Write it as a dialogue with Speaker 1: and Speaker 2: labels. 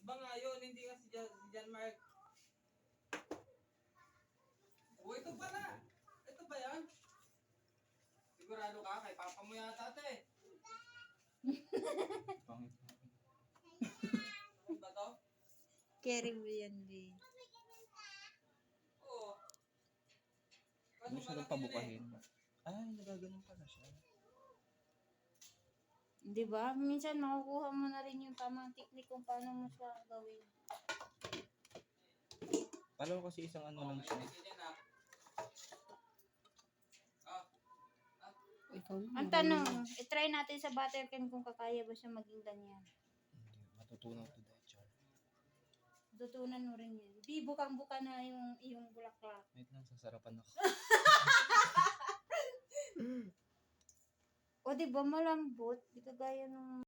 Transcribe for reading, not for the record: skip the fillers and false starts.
Speaker 1: ba nga yun? Hindi nga si John Mark. Oh, ito pala. Ito ba yan? Sigurado ka? Kay papa mo yata ito eh.
Speaker 2: Pangit.
Speaker 1: Ano ba to?
Speaker 3: Carry mo yan, B.
Speaker 1: Oo. Kaso
Speaker 2: Gusto
Speaker 1: malaki
Speaker 2: lang
Speaker 1: yun
Speaker 2: pabukahin. Ay, nagaganon pala siya.
Speaker 3: Di ba? Minsan makukuha mo na rin yung tamang technique kung paano mo siya gawin.
Speaker 2: Palo kasi isang ano lang siya.
Speaker 4: Ikaw na.
Speaker 3: Ang tanong, itry natin sa buttercream kung kakaya ba siya maging ganyan.
Speaker 2: Hindi, matutunan to dahil char.
Speaker 3: Tutunan mo rin yan. Di, bukang-buka na yung bulaklak.
Speaker 2: Wait lang, sasarapan ako.
Speaker 3: O di ba malambot? Di kagaya nung